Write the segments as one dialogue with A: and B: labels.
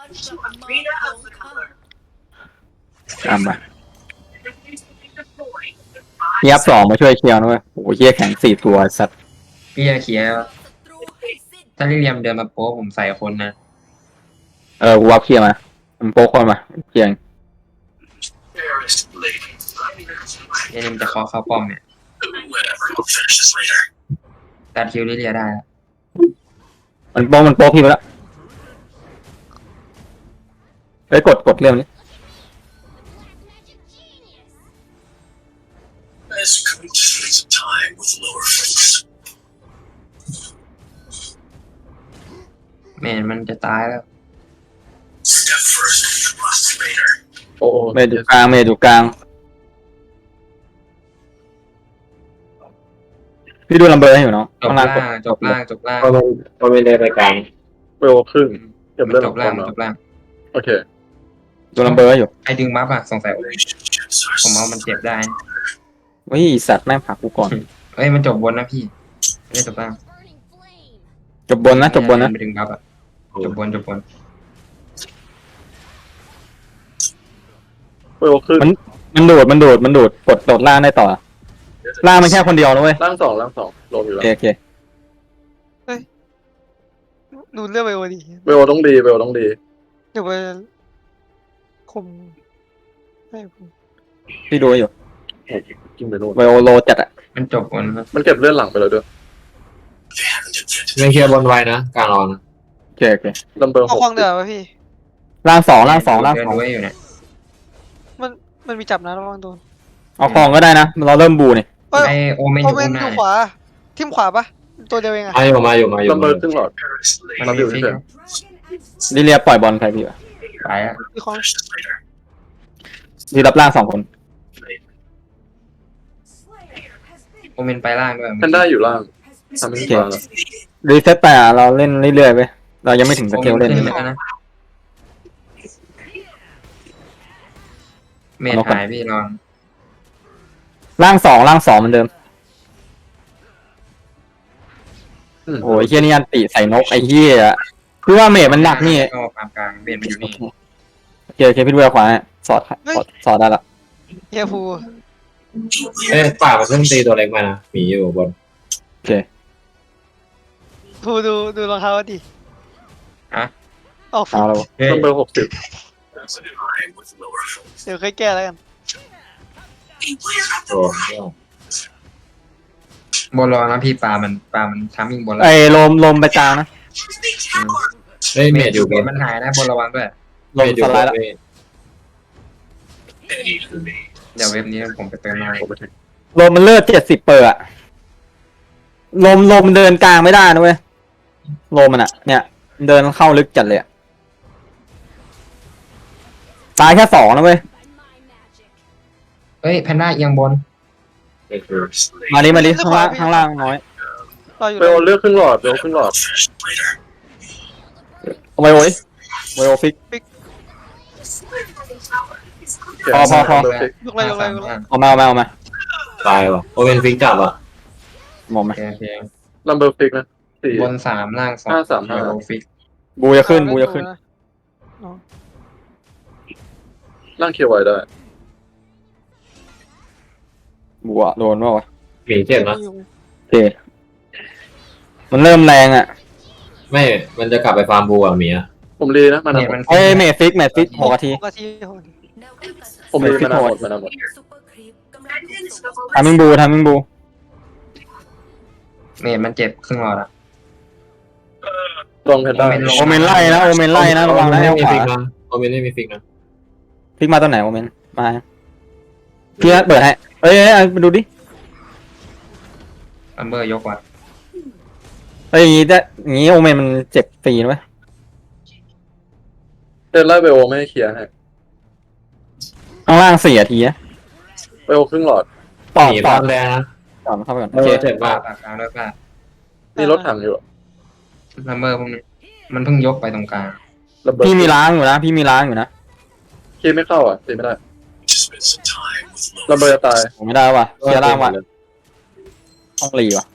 A: ตามมาเฮียบสองมาช่วยเคลียร์นะเว้ยโอ้โหเฮียแข็งสี่ตัวสัตว์
B: พี่จะเคลียร์ถ้าลิเลียมเดินมาโป๊ผมใส่คนนะ
A: กูวับเคลียร์มามันโป๊กคนมาเคลียร์
B: เดี๋ยวมันจะเคาะเข้าป้อมเนี่ยตัดคิวลิเลียได้แล้ว
A: มันโป๊กพี่ไปแล้วเฮ้ยกดเรื่องนี้
B: แม่มันจะตายแล้ว
C: โอ้โห
A: เมย์อยู่กลางพี่ดูลัมเบอร์ให้อยู่เนาะ
B: จบ
A: ข้างล่าง
B: ล่างจบล่างจบล่าง
D: พอไม่ได้ไปกลาง
C: เวลครึ่งเก็บ
B: มัน
C: เลือด
B: จ
C: ของ
B: บล่าง
C: คน
B: จบล่าง
C: โอเค
A: ดูลัมเบอร์ให้อยู่
B: ไอ้ดึงบัฟอะสงสัยผมเอามันเจ็บได้
A: เฮ้ยสัตว์แม่งผลักกูก่อน
B: เอ้ยมันจบบนนะพี่ไม่ได้จบล่าง
A: จบบนนะ
B: ไปดึงบัฟอะจบบน
C: เวลครึ่ง
A: มันโดดกดโดดล่างได้ต่อล่างมันแค่คนเดียวนะเว้ย
C: ล่างสองลงอยู่
A: โอ
C: แล้ว
A: เค
E: ดูเรื่องไปวันดี
C: เวลต้องดี
E: เดี๋ยวไปคุมให้ผม
A: พี่ดูให้อยู่
C: กินไปนู่น
A: ไวโอโลจัดอะ
B: มันจบบนครับ
C: มันเก็บเลือดหลังไปแล้วด้วย
D: ไม่เคลียร์บนไว้นะกลางรอนะ
A: โอเค
C: ลัมเบอร์
E: เอา
C: หก
E: ควางเดือดป่ะพี่
A: ล่างสอง
B: เดินด้วยอยู่เนี่ย
E: มันมีจับนะระวังโดน
A: เอาคลองก็ได้นะเราเริ่มบูนี่
E: เอ้ย
B: ไอโอเมนอ
E: โอยู่ เมน
B: ข้างห
E: ดู
B: น้า
E: ขวาทิมขวาปะตัวเดียวเองอะ
D: มาอยู่
C: ลัมเบอร์ครึ่งหลอด
B: มันมีฟิก
A: ลิเลียปล่อยบอลใครพี่วะ
B: ไปอะ
E: พี่ของ
A: พี่รับล่างสองคน
B: โอเมนไปล่างด้วย
C: แพนด้าอยู่ล่างทำให้ฟ้าแล้ว
A: รีเซ็ตไปอะเราเล่นเรื่อยๆไปเรายังไม่ถึงส
B: โอ
A: เก
B: เม
A: ล
B: น
A: เล่น
B: ขึ้นแล้วนะเมทหายพี่ลอง
A: ล่างสองเหมือนเดิมโอ้ยเฮียนี่อันติใส่นกไอ้เฮียคือว่าเมจมันหนักนี่
B: ก็ปามกลางเบนมันอยู่นี่
A: โอเคพี่ดูขวาให้สอดได้ละ
E: เฮียภู
D: ป่ามันเพิ่งตีตัวเล็กมานะหมีอยู่บน
A: โอเค
E: ภูดูรองเท้าดิ
B: อะ
E: ออก
A: เอาแล้ว
B: เฮ้ย
C: ลัมเบอร์60
E: เดี๋ยวค่อยแก้แล้วกัน
D: โอ้
B: บนรอนะพี่ปลามันทามมิ่งบนแล้ว
A: ไอ้ลมไปกลางนะ
D: เฮ้ยเมดอยู่บน
B: มันหายนะบนระวังด้วย
A: ลมสไลด์ละ
B: เดี๋ยวเว็บนี้ผมไปเติมมา
C: ผมไปถึง
A: ลมมันเลือด70%อะลมเดินกลางไม่ได้นะเว้ยลมมันอะเนี่ยเดินเข้าลึกจัดเลยอะตายแค่2นะเว้ย
B: เฮ้ยแพนด้าเอียงบน
A: มาดิข้างล่างน้อย
E: รออยู่
C: เวลเลือกครึ่งหลอดเวลครึ่งหลอด
A: เอาไวโอฟิก พอ
E: ยกเลย
A: เอามา
D: ตายว่ะโอเวนฟิกจับอ่ะ
A: มองไหม
B: โอเค
C: ลัมเบอร์ฟิกนะ4
B: บน3ล่าง2
C: 5-3-5
B: ฟิก
A: บูจะขึ้น
C: ล่างเคลียร์ไว้ได้
A: บูอะโดนว่าวะ
D: หมีเจ็บนะ
A: โอเคมันเริ่มแรงอะ
D: ไม่มันจะกลับไปฟาร์มบูอ่ะหมีอ่ะ
C: ผมรีนะมา
B: เนี่
C: นาย หม
B: มั
C: ด
B: น
A: เอ้ยเมทฟิก6 นาที
E: 6 นาที
C: ผมรีมานาหมดมานาหมด
A: ทามิงบู
B: เมทมันเจ็บครึ่งหลอดอะ
C: ตรงแพนด้า
A: โอเมนไล่นะระวังนะ
D: ไม่
A: เอา
D: มี
A: ขวา
D: ฟิกนะโอเวนไม่มีฟิกนะ
A: ฟิกมาตอนไหนโอเมนมาพี่เปิดให้เอ้ยมาดูดิ
B: ลัมเบอร์ยกว่ะ
A: เอ้ยอย่างงี้โอเมนมันเจ็บฟรีนะเว้ย
C: เดินไล่เวลไม่ให้เคลียร์ให้
A: ข้างล่าง4 นาทีนะ
C: เวลครึ่งหลอด
A: ต่อ
D: หมีฟาร์มแดงนะ
A: เข้าไปก่อน
D: เอ
A: โอเค
D: อเจ็บ
B: ปลาม
D: าก
B: ปากกลางด้วยป่ะ
C: นี่รถถังอยู่
B: ลัมเบอร์พวกนี้มันเพิ่งยกไปตรงกลาง
C: ลัมเบอร์
A: พี่มีล้างอยู่นะ
C: เคลียร์ไม่เข้าอ่ะตีไม่ได้ลัมเบอร์จะตาย
A: ผมไม่ได้ว่ะเคลียร์ล่างว่ะต้องรีว่ะ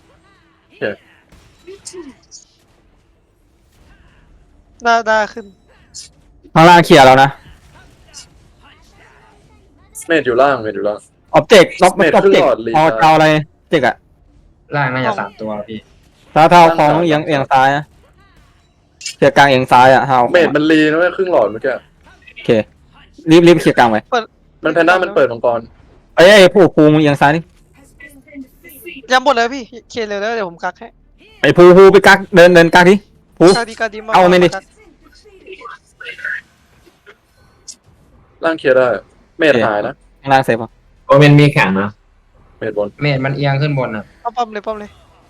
E: ได้ขึ้น
A: ข้างล่างเคลียร์แล้วนะ
C: เมดอยู่ล่างเมดอยู่ล่าง
A: ออบเจกต์ล็อก
C: เมท
A: ออบ
C: ขึ้น
A: เจก
C: หล
A: ต์
C: อดลี
A: พอ
C: ซ่า
A: เจ้าอะไรเจกอะ
B: ล่างน่าจะ3 ตัวพี่
A: เท้าของเอียงซ้ายนะเคลียร์กลางเอียงซ้ายอะเท้า
C: เมดมันรีนะเว้ยครึ่งหลอดเมื่อกี้
A: โอเครีบเคลียร์กลางไว้
C: มันแพนด้ามันเปิดมังกร
A: ไอ้ผู้ภูมิเอียงซ้ายนี่
E: ย้ำหมดเลยพี่เคลียร์เร็วแล้วเดี๋ยวผมกักให้
A: ไอ้ภูไปกักเดินกักที่ภู
E: กักดีมาก
A: เอาไม่ดิ
E: กัก
C: ล่างเคลียร์ได้ เมดหายนะ
A: ข้างล่างเซฟป่ะ
D: โอเมนมีแข็งนะ
C: เมดบน
B: เมดมันเอียงขึ้นบนอ่ะ
E: ป้อมเลยป้อมเลย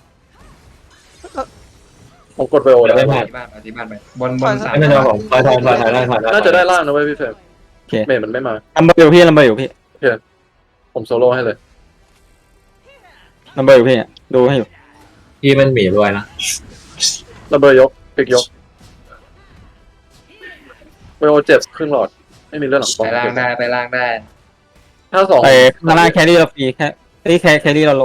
C: ผมกดไปโอแล้ว
B: ที่บ้านไปบน
D: ไม่เป็นไรผมถอยได้ถอยได้
C: น่าจะได้ล่างนะเว้ยพี่เฟรม
A: โอเค
C: เมดมันไม่มา
A: ลัมเบอร์อยู่พี่ลัมเบอร์อยู่พี่
C: ผมโซโล่ให้เลย
A: ลัมเบอร์อยู่พี่ดูให้อยู่
D: พี่มันหมีรวยนะ
C: ระเบิดยกปิกยกไปโอเจ็บครึ่งหลอด ไม่มีเลือดหลังป้อ
B: ไป
C: ม
B: ล่างได้
C: ถ้าสอง
A: ไอ้ข้างล่างแครี่เราฟรีแครี่เราโล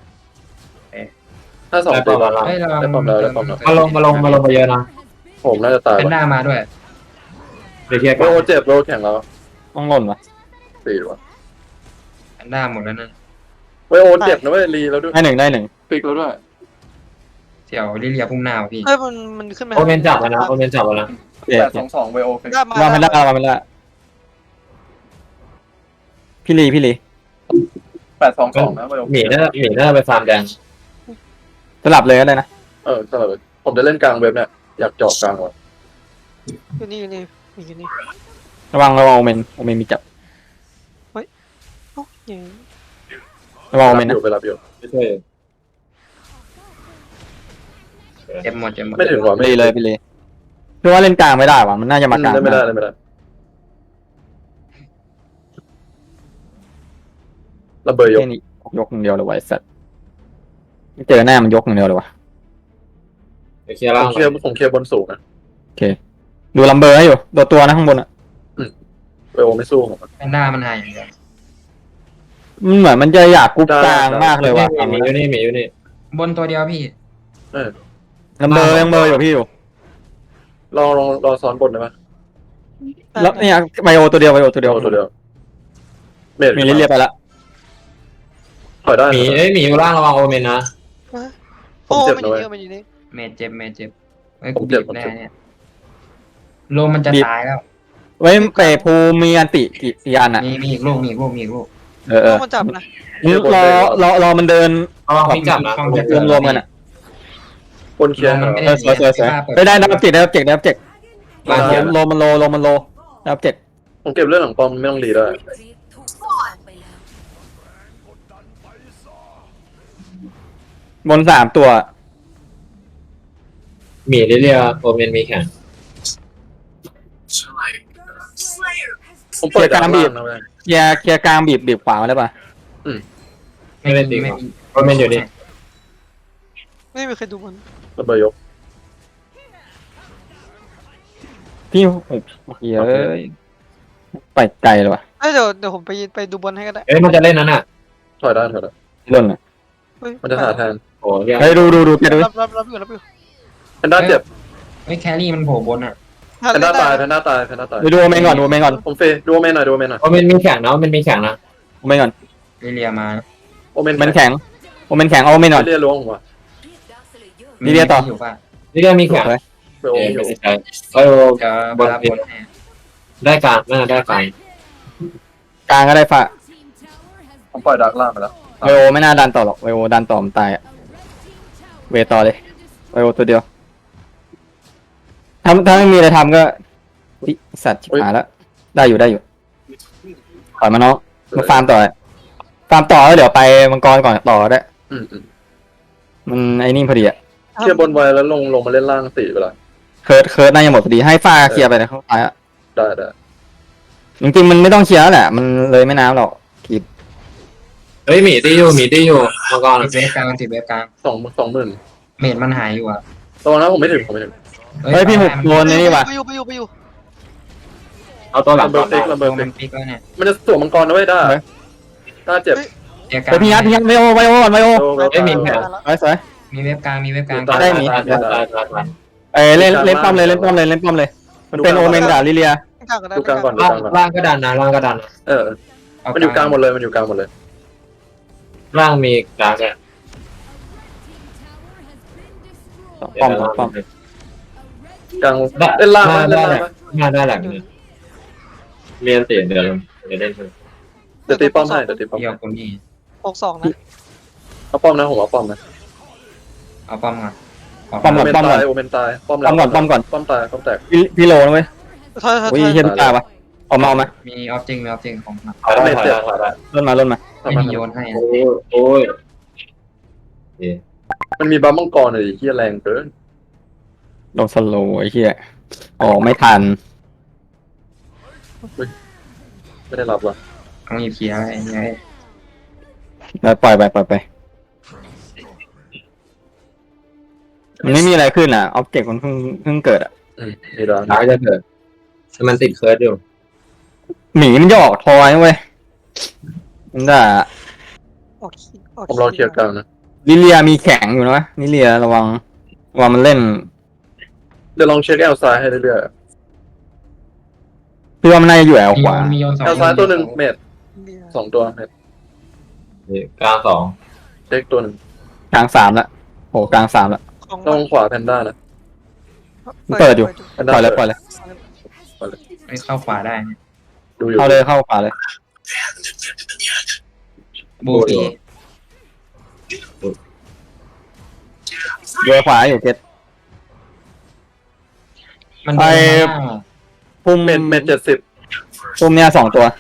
C: ถ้าสอง
D: ได้
C: ตี
D: ปอม
C: บอล
D: แล้ว
B: เฮ้ยเรา
C: ได้ป้อมแล้วได้ป้อมแล้ว
D: มาลงไปเยอะนะ
C: ผมน่าจะตาย
B: เป็นห
C: ว่ะ
B: น้ามาด้วย
D: เดี๋ยวเคลียร์
C: ไป
D: กัน
C: โอเจ็บไปโอแข่งแล้ว
A: ต้องหล่นวะ
C: ตีว่ะ
B: เป็นหน้าหมดแล้วนั่น
C: ไปโอเจ็บนะเว้ยรีแล้วด้วย
A: ได้หนึ่ง
C: ปิกแล้วด้วย
B: เสี่ยวลิเลียพุ่งหน้าพี่
E: เฮ้ยมันขึ้นมา
D: โอเมนจับแล้วนะโอเมนจับแล้วนะ
A: โอเค
C: 8-2-2ไปโอเฟก
E: ได้มา
A: วางไม่ได้พี่ลี
C: 8-2-2นะไปโอ
D: หมีน่าไปฟาร์มแดง
A: สลับเลยก็ได้นะ
C: สลับเลยผมจะเล่นกลางเว็บเนี่ยอยากเจาะกลางว่ะ
E: อยู่นี่อยู่นี่อยู่นี่
A: ระวังโอเมนมีจับ
E: โอ้ยอย่าง
A: ระวังโอเมน
C: อ
A: นะ
C: ยู่ไปรับอยู่
D: ไม่ช่วย
B: เจ็บหมด
C: ไม่ถึงว่ะ
A: พี่ลีเลยพี่ว่าเล่นกลางไม่ได้ว่ะมันน่าจะมากลาง
C: เล่นไม่ได้เล่นไม่ได้ระเบิดยก
A: แค่นี้ยกอย่างเดียวเลยไว้สัตว์เจอหน้ามันยกอย่างเดียวเลยวะ
D: เดี๋ยวเคลียร์
C: ผ
D: ล่าง
C: มเคลียร์บนสูงนะ
A: ดูลัมเบอร์ให้อยู่ตัวนะข้างบนอ่ะ
C: ไปโอไม่สู้ผม
B: เป็นหน้ามันหายอย่างเดียว
A: มันเหมือนมันจะอยากกรุ๊ปกลางมากเลยว่ะ
D: หมีอยู่นี่
B: บนตัวเดียวพี่
A: ลัมเบอร์ยังเบอร์อยู่พี่อยู่
C: รอซ้อนบนได้ไหม
A: แล้วเนี่ยไบโอตัวเดียว
C: โอตัวเดียวเมด
A: มีลิเลียไปละ
C: ถอยได้
D: หมีอยู่ล่างระวังโอเมนนะ
E: โอ้มันอยู่นี่มันอยู่นี่
B: เมดเจ็บเฮ้ยกูบีบแน่เนี่ยโลมันจะตายแล้ว
A: ไว้เปภูมีอันติกี่อันอ่ะ
B: มีอีกลูก
A: เออ
E: มันจับนะ
A: รอมันเดิน
D: ระวังพี่จับนะ
A: รวมกันอ่ะ
C: บนเคลียร์
A: สวยได้ดับเจ็ก
D: ล่างเคลียร์
A: โลมันโลดับเจ็ก
C: ผมเก็บเรื่องหลังป้อมไม่ต้องรีได้
A: บน3 ตัว
D: หมีเรียโอเมนมีแข็ง
C: ผมเปิดกลางบีบนะเว้ย
A: เคลียร์กลางบีบขวามาได้ป่ะ
D: ไม่เล่นดีกว่าโอเมนอยู่นี่
E: ไม่มีใครดูมัน
C: ระเบิดยก
A: พี่เฮ้ยไปไกลเลยว่ะ
E: เดี๋ยวผมไปดูบอลให้ก็ได้
D: มันจะเล่นนั้นอ่ะ
C: ถอยได้
A: ล่นอ่ะ
C: มันจะหาแทน
D: โอ้ย
A: เฮ้ยดูแกดู
E: รับอยู่
C: แพนด้าเจ็บ
B: เฮ้ยแครี่มันโผล่บนอ่ะ
C: แพนด้าตาย
A: ไปดูโอเมนก่อน
C: ผมเฟดูโอเมนหน่อย
D: โอเมนมีแข็งนะโอเมนมีแข็งนะ
A: โอเมนก่อน
B: ลิเลียมา
C: โอเมน
A: มันแข็งโอเมนก่อน
C: เรียล้วงว่ะ
A: ลิเลียต่อ
B: อยู่ป่ะ
D: เรียมีแข็ง
C: ไปโอ
D: ไม่
C: อยู่
D: เสียใจโอ้
B: จะบนบนแน่
D: ได้การน่าได้การ
A: กลางก็ได้ฝะ
C: ผมปล่อยดักล่างไปแล้ว
A: ไวโอไม่น่าดันต่อหรอกไวโอดันต่อมันตายอ่ะเวต่อเลยไวโอตัวเดียวถ้าไม่มีอะไรทำก็สัตว์ชิบหายแล้วได้อยู่ถอยมาเนาะมาฟาร์มต่อแล้วเดี๋ยวไปมังกรก่อนต่อได้ มันไอ้นี่พอดีอ่ะ
C: เคลียร์บนไว้แล้วลงมาเล่นล่าง4ไปละ
A: เคิร์ดน่าจะหมดพอดีให้ฟ้าเคลียร์ไปนะเขาตายอ่ะ
C: ได้
A: จริงๆมันไม่ต้องเคลียร์แล้วแหละมันเลยไม่น้ำหรอกกีบ
D: เฮ้ยหมีตีอยู่มังกร
B: ติดเวฟกลาง
C: 20,000
B: เมดมันหายอยู่อ่ะ
C: ตอนนั้นผมไม่ถึง
A: เฮ้ยพี่หุบโดนนี่ว่ะ
E: ไปอยู่
D: เอาตัวหลัง
C: ระเบิดติ๊กระเบิด
B: มั
C: ติ๊
B: น
C: ก
B: ปิกแล้วเนี่ย
C: มันจะสวมมังกรนะเว้ยได้เจ็บ
B: เกียร์กลา
A: เฮ้ยพี่ยัดไวโอก่อนไวโอ สวย
B: มีเวฟกลาง
A: ได้หมี เล่นป้อมเลยมันเป็นโอเมนกับลิเลีย
E: กลางก็ได้
C: ดูกลางก่อนดู
D: ล่าง
C: กลางก่อน
D: ล่างก็ดันนะล่างก็ดันนะ
C: เออ มันอยู่กลางหมดเลยมันอยู่กลางหมดเลย
D: ล่างมีกลางเนี่ย
A: ป้อมป้อม
C: กลาง
D: ได้
C: เล่นล่าง
D: ได้
C: เล่น
D: ได้
C: ล่าง
D: งานได้หลังเนี่ยเรียนเตียนเดี๋ยวเล่นเถอะ
C: เดี๋ยวตีป้อมให้เดี๋ยวตีป้อม
B: เดียวคนนี้
E: 62นะ
C: เอาป้อมนะผมเอาป้อมนะ
B: เอาป้อมก่อน
A: ป้อม
C: โอ
A: ก่อน
C: เมน
A: ป้อมก่
C: ตา
A: อน
C: ยโอเมนตายป้อม
A: ป้อมก่อนป้อมก่อน
C: ป้อมตายป้อมแตก
A: พี่โลนะเว้ย
E: ถอย
A: โอ้ยเฮียตุ๊กตาปะเอามาเอามา
B: มีออฟจริงมีออฟจริงของหนัก
D: ถอยได้ถอยได้ถอยได้
A: ล่นมาล่นมา
B: ไม่มีโยนให้
D: โอ้ยโอ้ย
C: มันมีบัมมังกรเลยที่แรงเกิน
A: โดนสโลว์ไอ้เหี้ยออกไม่ทัน
C: ไม่ได้รับว่ะ
B: ต้องมีเคลียร์ไอ้เงี้ย
A: แล้วปล่อยไปมันไม่มีอะไรขึ้นอ่ะออบเจกต์มันเพิ่งเกิดอ่ะ
C: มีร้าน
D: ร้ายจะเกิดมันติดเคิร์ดอยู่
A: หมีมันหยอกทอยนะเว้ยมันด่า
C: ผมรอเคลียร์กลางนะ
A: ลิเลียมีแข็งอยู่นะลิเลียระวังมันเล่น
C: เดี๋ยวลองเช็คแอลซ้ายให้เรื่อย
A: พี่ว่ามันน่าจะอยู่แอล
B: มี
A: ข
B: โย
A: วาน
B: มีโยนสอง
C: ๆแอลซ้ายตัวหนึ่งเมดสองตัวเมด
D: กลางสอง
C: เช็คตัวหนึ่ง
A: กลาง3ละโหกลาง3ละ
C: ตรงขวาแพนด้านะ
A: เปิดอยู่
C: แพนด้า
A: ปล่อยเลย
B: ไม่เข้าขวาได้นะ
C: ดูอยู่
A: เข้าเลยเข้าขวาเลย
B: บูตี
A: โดยขวาอยู่เกต
B: มันโดนมา
A: พุ่ม
C: เมด70
A: พุ่มเนี่ย2ตัว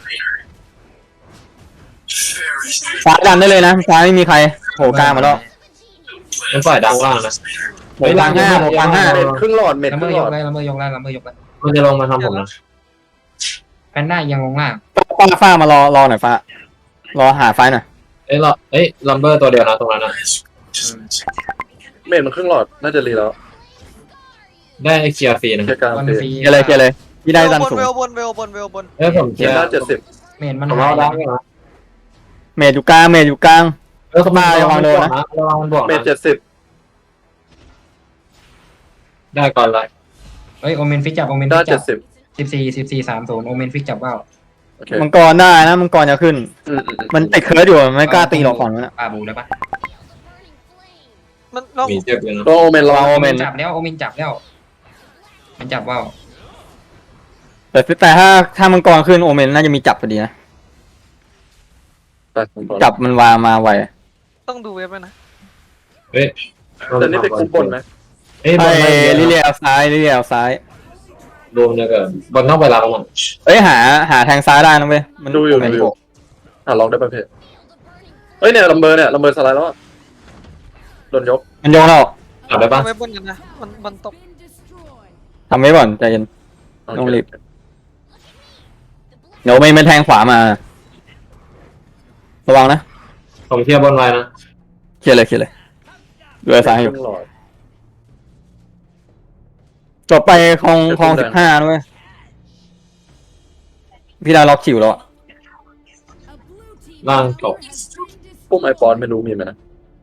A: ซ้ายดันได้เลยนะซ้ายไม่มีใครโผล่กลางมาแล้ว
D: มันปล่อยดังล่างนะ
A: โผล่กลาง5โผล่กลาง
C: เมดครึ่งหลอดเมด
B: ละ
C: ค
B: เม
C: รึ่
B: อง ย
C: หลอก ด
B: ได้ละเมอยกได้ละเมอยกได้
D: มันจะลงมาทำผมนะ
B: แพนด้ายังลงล่าง
A: ๆฟ้ามารอหน่อยฟ้ารอหาไฟหน่อย
D: ลัมเบอร์ตัวเดียวนะตรงนั้นนะ
C: เมดมันครึ่งหลอดน่าจะรีแล้ว
D: ได้เคลียร์ฟรีนะ
C: เคลียร์กลาง
B: วัน
C: ฟรี
B: ฟรี
A: เคลียร์เลยพี่ได้ดันสูง
E: เวลบน
D: ผม
C: เค
D: เค
C: ลี
D: ลี
C: ย
D: ย
C: ร์
D: ร์
C: ด้า70
B: เมนมัน
D: ผม
B: หา
D: เอา
B: ย
D: ดังนะ
A: เมจอยู่กลาง
D: เขามาระวังโดนนะระวังมันบวก
C: เม
D: นะ
C: ด70
D: ได้ก่อนเลย
B: เฮ้ยโอเมนฟิกจับโอเมน
C: ด้า
B: ฟิกจับ
C: 70
B: 14 30โอเมนฟิกจับว่าว
C: โอเค
A: มังกรได้นะมังกรจะขึ้น
C: อืม
A: มันติดเคิร์ดอยู่มันไม่กล้าตีหรอกฝั่งนั้นนะ
B: ปาบูได้ปะ
E: มันเรา
D: มีเจ็บอยู่นะ
C: ตัวโอเมนระ
A: ระวั
C: วั
A: ง
C: ง
A: โอเมน
B: จับแล้วโอเมนจับแล้วมันจับว่าว
A: แต่ถ้ามังกรขึ้นโอเมนน่าจะมีจับพอดีนะ
C: ไปผมก่อน
A: จับมันวางมาไว
E: ต้องดูเว็บนะ
D: เฮ้ย
C: แต่นี่ไปคุมบนไหม
D: เฮ้ยบ
A: ไอ้
D: อลไม่เยอะ
A: ลิเลียเอาซ้าย
D: รวมเนี่ยเกินบอลต้องไปรับมัน
A: เอ้ยหาทางซ้ายได้นะเว้ยมัน
C: ดูอยู่
A: โเมน
C: ดูอยู่ลองได้ประเภทเฮ้ยเนี่ยลัมเบอร์สไลด์แล้วโดนยก
A: มันโยงเรา
D: จับได้ปะ
E: เว็บบนกันนะมันตก
A: ทำไว้ก่อนใจเย็น ต้องรีบ เดี๋ยวไม่แทงขวามา ระวังนะ
D: ผมเคลียร์บอลไว้นะ
A: เคลียร์เลยดูไอ้ซ้ายอยู่
C: ครึ่งหลอด
A: จบไปคลอง15ด้วยพี่ดาล็อกคิวแล้วอะ
D: ล่างตก
C: ปุ่มไอปอนไม่รู้มีไหมนะ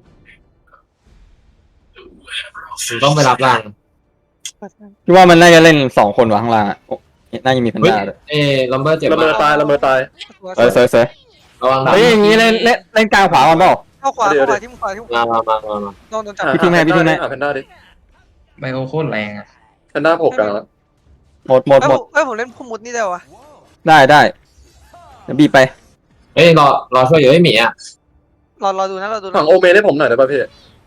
D: ผมต้องไปรับล่าง
A: พี่ว่ามันน่าจะเล่น2คนวะข้างล่างอ่ะโอ้น่าจะมีแพน
D: เฮ้ย
A: ด้าด้วย
D: ลัมเบอร์เจ็บ
C: ละเมอตาย
A: เสย
D: ระวังดัง
A: เฮ้ยอย่างงี้เล่นกลางขวาก่อนเปล่า
E: เข้าขวาที่ขวา
D: มา
E: โดนจับ
A: พี่ทิ้งให้
C: หาแพนด้าดิ
B: ไบโอโคตรแรงอ่ะ
C: แพนด้าโผล่กลางแล้ว
A: หมด
E: เอ้ยผมเล่นพุ่มมุดนี่ได้วะ
A: ได้เดี๋ยวบีบไป
D: เฮ้ยรอช่วยอยู่ไอ้หมีอ่ะ
E: รอดูนะ
C: ฝั่งโอเมนให้ผมหน่อยได้ป่ะพี่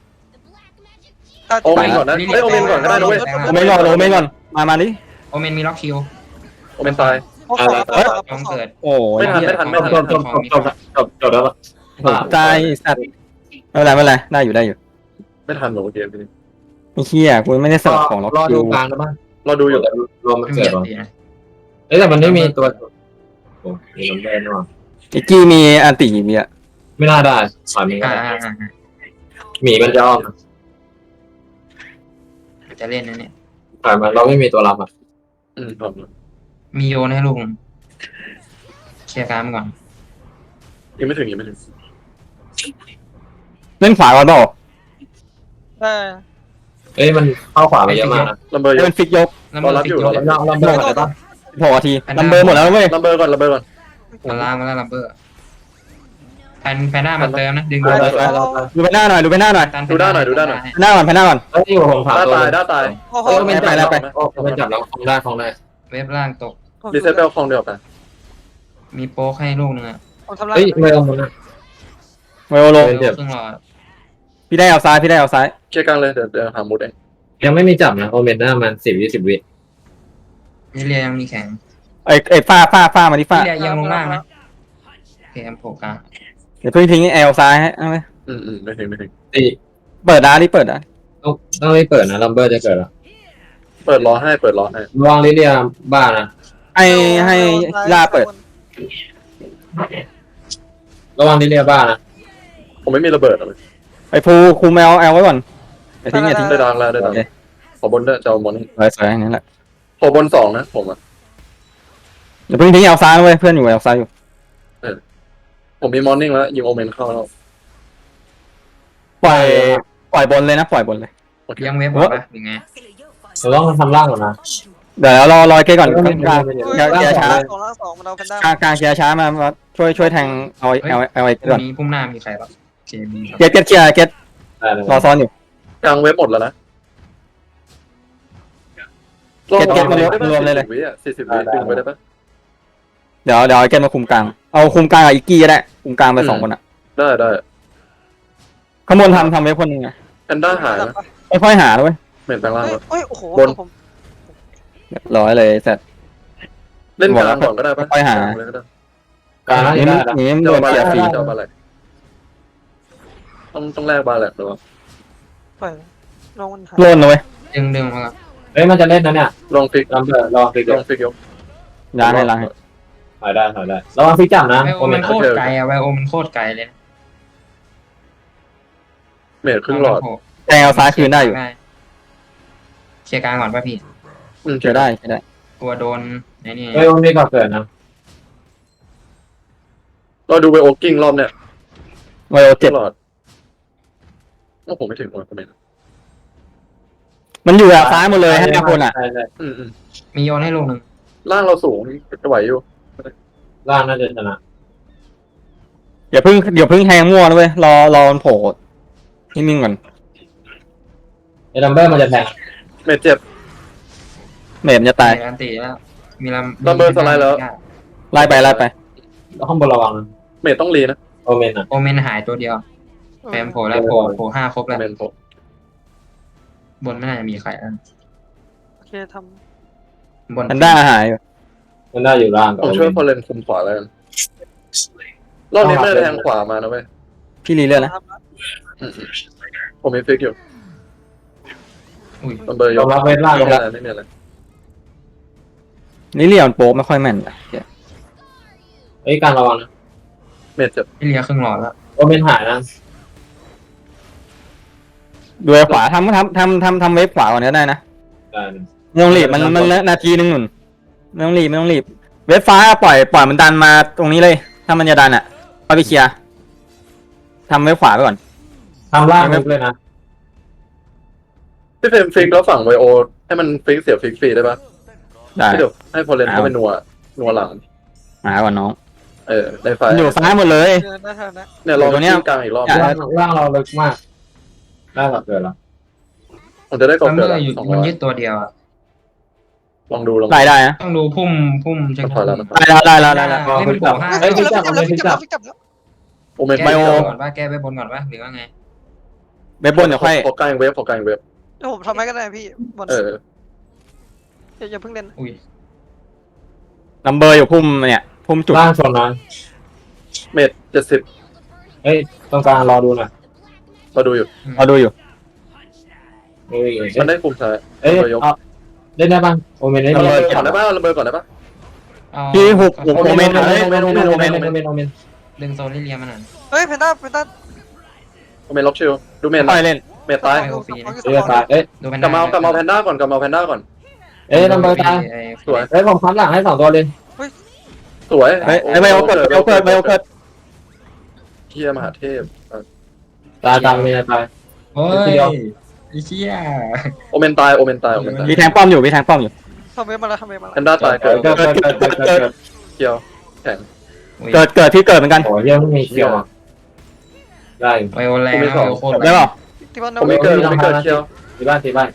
C: โอเมนก่อนนะเฮ้ยโอเมนก่อนก็ได้นะเว้ย
A: โอเมนก่อนมาดิ
B: โอเมนมีล็อกคิว
C: โอเมนตาย
B: ต้องเกิด
A: โอ้ย
C: ไม่ทัน
D: จบแล้ว
A: ใจสัตว์ไม่เป็นไรได้อยู่
C: ไม่ทันหรอกเกมนี้
A: ไอ้เหี้ยกูไม่ได้เสิร์ฟของล็อก
D: รอ
A: คิ
D: ดู
A: ว
D: กลางได้ป่ะ
C: เราดูอยู่
D: รวมมัน
B: เกิ
D: เกิ
B: ด
D: ดวะ
B: ดีนะ
D: เอ้ยแต่มันไม่มีตัวโอ้มีลัมเบอร์ด้วย
A: ไอ้กี้มีอันติมีอ่ะ
D: ไม่น่าได้สายมีก็ได้หมีมันจะอ้อม
B: จะเล่นนะเนี่ย
D: สายมันเราไม่มีตัวรับอ่ะ
C: ครับ
B: มีโยนให้ลุงเคลียร์การก่อน
C: ยังไม่ถึง
A: เล่นขวาก่อนเปล่า
D: เอ้ยมันเข้าขวาไปเยอะมากนะ
C: ลัมเบอร์อ
A: ให้
C: ยู่
A: มันฟิกยก
B: แล้วมันติดยก
D: เราเบิร์อะไรปะ
A: 6 นาทีลัมเบอร์หมดแล้วเว้ย
C: ลัมเบอร์ก่อนลัมเบอร์ก่อน
B: มันล่างมาแล้วลัมเบอร์แพนด้ามันเติมนะดึง
C: ไปไป
A: ดูไปหน้าหน่อยดูไปหน้าหน่อย
C: ดูด้านหน่อยดูด้านหน่อย
A: ไปหน้าก่อนไปหน้าก่อน
D: เฮ้ยผมถาม
C: ด้าน
D: ตัว
C: ตายด้านตาย
E: โอ้โห
A: ไม่ไปแล้วไป
D: โอ้มันจับแล้วคลองได้คลองได้
B: เว็บล่างตก
C: รีเซ็ตเปลคองเดียวกัน
B: มีโป๊กให้ลูกนึงอ่ะ
E: ผมทำลาย
D: เฮ้ยไม่เอามันนะ
A: ไวโอลง
D: เจ็บ
B: ครึ่งหลอด
A: พี่ได้เอาซ้ายพี่ได้เอาซ้าย
C: เคลียร์กลางเลยเดี๋ยวหามูดเอง
D: ยังไม่มีจับนะโอเมนน่ามัน10-20 วิ
B: นี่เรียยังมีแข็ง
A: ไอ้ฝ้ามาที่ฝ้า
B: นี่เรียยังลงล่างนะโอเคแอมโผล่กลาง
A: เดี๋ยวเพิ่งทิ้งแอลซ้ายให้เอาไหม
C: ไม่ถึงไม่ถึง
D: ตี
A: เปิดดาดิเปิดดา
D: ต้องไม่เปิดนะลัมเบอร์จะเกิดแล้ว
C: เปิดล้อให้เปิดล้อให้
D: ระวังลิเดียบ้านะ
A: ให้ลาเปิด
D: ระวังลิเดียบ้านะ
C: ผมไม่มีระเบิดเลย
A: ไอ้ภูคุมแอลไว้ก่อนไอ้ทิ้งอย่าทิ้ง
C: ได้ดังแล้วได้ดังขอบนด้วยจะเอาบน
A: สวยอย่างนี้แหละ
C: ขอบน2นะผมอ่ะ
A: เดี๋ยวเพิ่งทิ้งแอลซ้ายเว้ยเพื่อนอยู่แอลซ้ายอยู่
C: ผมมีมอร์นิ่งแล้วยิงโอเมนเข้าแล้ว
A: ปล่อยบนเลยนะปล่อยบนเลย
C: โอเค
B: ยังเว็บบอกปะหรือไง
D: เราต้องทำล่างก่อนนะ
A: เดี๋ยวรอเกก่อนกลาง
E: เฮ้ย
A: เกียร์ช้า
E: 2 มันเอาแพนด้าก
A: ลางเกียร์ช้ามาช่วยแทงเอาไอ้ก่อน
B: มีพุ่มหน้ามีใครปะเคมี
A: เกียร์เกียร์
D: ได้เลย
A: รอซ้อนอยู่
C: กลางเว็บหมดแล้วนะวิอ่ะ40 วิดึงไปได้ปะ
A: เดี๋ยวไอ้เกมาคุมกลางเอาคุมกลางกับอีกกี้ก็ได้คุมกลางไป2 คนอ่ะ
C: ได้
A: ขบวนทำไว้คนนึงไง
C: แพนด้าหายนะ
A: ค่อยหาด้วย
C: เหม็นแปลงร่างแล้ว
E: เฮ้ยโอ้โหผม
A: ร้อยเลยเสร็จ
C: เล่นกลางก่อนก็ได้ปะ
D: การน่าจะได้นะ
A: นี้
C: เจ้า
A: โดน
C: บา
A: เกี
C: แล
A: ยร์ฟรี
C: เจ้าบาแลต้องแลกบาแลหรือว่า
E: ปล่อยน้องมันหาย
A: โล่นเลย
B: ดึงมา
D: เฮ้ยมันจะเล่นนะเนี่ย
C: ลองฟิก
D: ลัมเบอร์ลองฟิก
C: ลองฟิกยก
A: ล้างให้ล้างให้
D: ถอยได้ระวังฟิกจับนะ
B: ไวโอ
D: โอเม
B: มัน นโคตรไกลอะไวโอมันโคตรไกลเลย
C: เมทครึ่งหลอด
A: แทงเอาซ้ายคืนได้อยู่
B: เคลียร์กลางก่อนป่ะพี่
A: เจอได้
B: กลัวโดนไอ้นี่
D: เฮ้ยมันมีก่อนเกิดนะ
C: เราดูไปโอกิ้งรอบเนี่ย
A: ไวโอ
C: ค
A: เจ็
C: รึ่
A: ด
C: งหลอดว่าผมไม่ถึงว่าผมไม่
A: มันอยู่ซ้ายหมดเลยให้คนอ่ะ
D: ใช่
B: มีโยนให้ลูกนึง
C: ล่างเราสูงจะไหวอยู่
D: ล่างน่าจะชนะ
A: เดี๋ยวเพิ่งแทงมั่วนะเว้ยรอมันโผล่นิ่งๆก่อน
D: ไอ้ลัมเบอร์มันจะแทง
C: เมทเจ็บ
A: เมมจะตาย
B: อันตีแล้วมีลำ
C: ลัมเบอร์สไลด์แล้ว
A: ไล่ไป
D: แล้วข้างบนระวังนะ
C: เมทต้องรีนะ
D: โอเมนอ่ะ
B: โอเมนหายตัวเดียวแฟมโผล่แล้วโผล่5 ครบแล้ว
C: เมนผม
B: บนไม่น่าจะมีใครแล้ว
E: โอเคท
B: บน
A: มันได้หายอยู่
D: มันได้อยู่ล่างกับ
C: ผม
D: โอ
C: ช่วย
D: เมน
C: พอเลนคุมขวาแล้วกันรอบนี้ไม่ได้แทงขวามานะเว้ย
A: พี่รีเลือดนะ
C: ผมมีฟิกอยู่
B: อุ้ย
C: ลัมเบอร์ย
D: ยอก มรับเวทล่าง
C: ไม่มีอะไรไม่มีอะไร
A: นี่เรียนโป๊ไม่ค่อยแม่น
D: เฮ้ยการระวังนะ
C: เมทเจ็บ
B: พี่เลียครึ่งหลอดแล้ว
D: โอเมนหายนะ
A: ดูขวาทำเวฟขวาก่อนก็ได้นะ
D: ได้
A: ไม่ต้องรีบมันนาทีนึงหนุนไม่ต้องรีบเวฟฟ้าปล่อยมันดันมาตรงนี้เลย ถ้ามันจะดันอ่ะเอาไปเคลียร์ทำเวฟขวาไปก่อน
D: ทำล่างเลยนะ
C: พี่เฟรมฟิกแล้วฝั่งไวโอให้มันฟิกเสียฟิกฟรีได้ปะ
A: ได้
C: เดี๋ยวให้พอเลนเข้าไปนัวหลัง
A: หาก่อนน้อง
C: ได้ไฟ
A: มันอยู่ซ้ายหมดเลย
E: ำเดินได้เท่านั้น
C: เนี่ยลอง
A: ตัวเนี้ย
C: กิ้งกลางอีกรอบ
D: ล่างเราลึกมากได้ก่อนเกิดแล้ว
C: ผมจะได้ก
B: ลั
C: ด
B: มเบ
C: เกิ
B: อ
C: ด
B: ร์อยู่
C: 200
B: มันยึดตัวเดียวอะ
C: ลองดู
A: ได้นะ
B: ต้องดูพุ่มเชิง
C: ถอยแล้ว
A: ได้
B: เล่นมันโผล่5
D: เฮ้ย
E: ฟิกจับแล้วฟิกจับแล้วฟิกจับแล้ว
C: โอเมน
B: แก้
C: ไบ
B: ไป
C: โอบ
B: นก่อนว่าแก้ไปบนก่อนว่าหรือว่าไง
A: เวฟบนเดี๋ยวค่อย
C: ขอกลางเวฟขอกลางเวฟ
E: เดี๋ยวผมทำให้ก็ได้พี่บอลอย่าเพิ่งเล่น
B: อุ้ย
A: ลัมเบอร์อยู่พุ่มจุด
D: ล่างชนนะ
C: เมท70
D: เฮ้ยตรงกลางรอดูหน่อย
C: มาดูอยู่
A: เราดูอยู่
C: มันได้คุมซ้าย
D: เอ้ยเล่นได้บ้างโอเมนได้
C: ระ
D: ดี
C: เบิดก่อนได้ปะระเบิดก่อนได้ปะ
A: พี่หุบ
D: โอเมน
B: ดึงโซนลิเลียมันหน่อย
E: เฮ้ยเพนด้า
C: โอเมนล็อกชิลดูเมน
A: ค่อยเล่น
C: เมทตาย
D: เอ้ยตายเอ้ย
B: ดูเป็น
C: กลับมาแพนด้าก่อนกลับมาแพนด้าก่อน
D: เอ้ยลัมเบอร์ตาย
C: สวย
D: เฮ้ยผมคัดหลังให้2 ตัวเลย
C: สวย
A: ไวโอเกิด
C: เฮียมหาเทพ
D: ตายเมียตาย
B: เฮ้ยไอ้เชี่ย
C: โอเมนตายโอเมนตาย
A: มีแทงป้อมอยู่มีแทงป้อมอยู่
E: ทำเวฟมาแล้วทำเวฟมา
C: แพ
E: แล้ว
C: นด้าตายเกิด
A: เกิด
C: เกียวแข็ง
A: เกิดที่เกิดเหมือนกัน
D: โอ้ยยังไม่มีเคียวอ่ะได้
B: ไวโอแรงนะโคตร
A: ได้เปล่า
E: ที่บ้าน
C: ผมไม่เกิดผมไม่เกิดเกียว
D: ที่บ้านที่บ้าน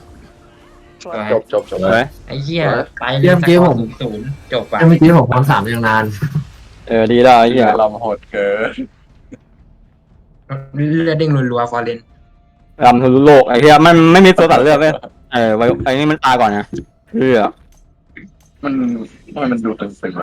C: จบ
A: เฮ้ย
B: ไอ้เหี้ยไป
D: เยี่ยมเกมผม
B: ศูนย์จบป่ะ
D: เมื่อกี้ผมความสามยังนาน
A: ดีแล้วไอ้เหี้ย
C: เราโหดเกิน
B: เลือดเด้งรัวๆฟอร์เรน
A: รำทะลุโลกไอ้เหี้ยมันไม่มีตัวตัดเลือดเว้ยไว้ไอ้นี่มันตายก่อนนะเพื่อ
C: มันทำไมมันดูตึงๆ